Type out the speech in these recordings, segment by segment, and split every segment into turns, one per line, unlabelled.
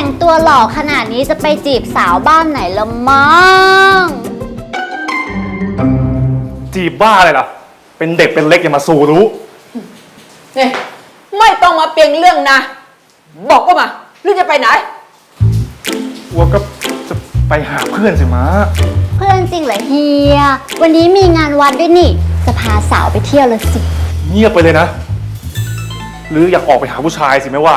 งตัวหล่อขนาดนี้จะไปจีบสาวบ้านไหนละมั้ง
จีบบ้าอะไรล่ะเป็นเด็กเป็นเล็กอย่ามาสู่รู้
นี่ไม่ต้องมาเปลี่ยนเรื่องนะบอกก็มาหรือจะไปไหน
วัวก็จะไปหาเพื่อนสิมา
เพื่อนจริงเหรอเฮียวันนี้มีงานวัดด้วยนี่จะพาสาวไปเที่ยวเลยสิ
เงียบไปเลยนะหรืออยากออกไปหาผู้ชายสิไม่ว่า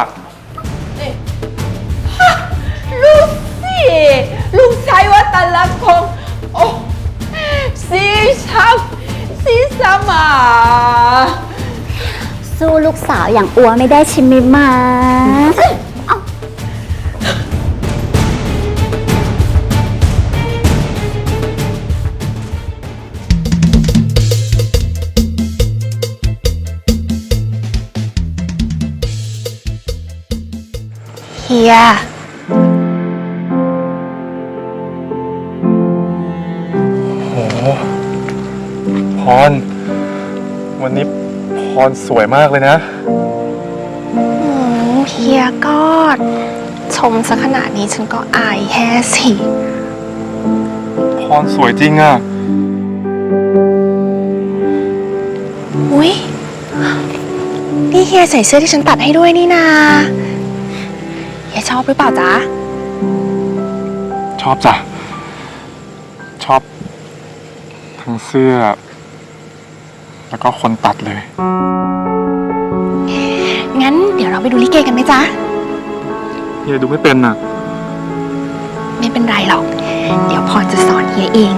ลูกสิลูกชายวัตลักษณ์ของโอ้สีช้ำสีสมา
สู้ลูกสาวอย่างอัวไม่ได้ชิมมิมา
เฮีย
โอ้พรวันนี้พรสวยมากเลยนะ
เฮียก็ชมซะขนาดนี้ฉันก็อายแฮ่สิ
พรสวยจริงอ่ะ
อุ๊ยนี่เฮียใส่เสื้อที่ฉันตัดให้ด้วยนี่นาเฮียชอบหรือเปล่าจ๊ะ
ชอบจ้ะชอบทั้งเสื้อแล้วก็คนตัดเลย
งั้นเดี๋ยวเราไปดูลิเกกันไหมจ๊ะ
เฮียดูไม่เป็นน่ะ
ไม่เป็นไรหรอกเดี๋ยวพรจะสอนเฮียเอง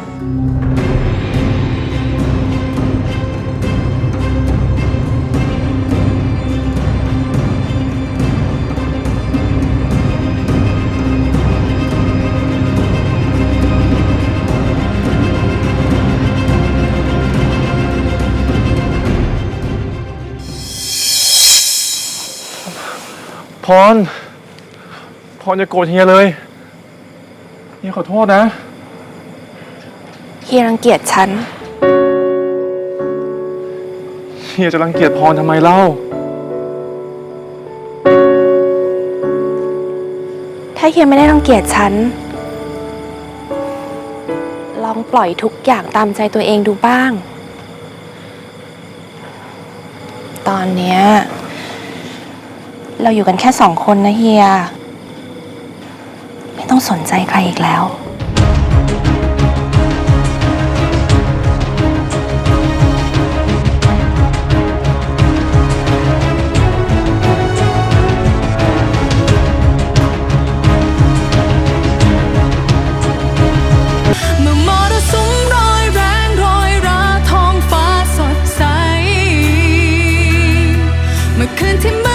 พรอย่าโกรธเฮียเลยเฮียขอโทษนะ
เฮียรังเกียจฉัน
เฮียจะรังเกียจพรทำไมเล่า
ถ้าเฮียไม่ได้รังเกียจฉันลองปล่อยทุกอย่างตามใจตัวเองดูบ้างตอนเนี้ยเราอยู่กันแค่2 คนนะเฮียไม่ต้องสนใจใครอีกแล้ว
เมื่อมรสุมโรยแรงโรยราท้องฟ้าสดใสเมื่อคืนที่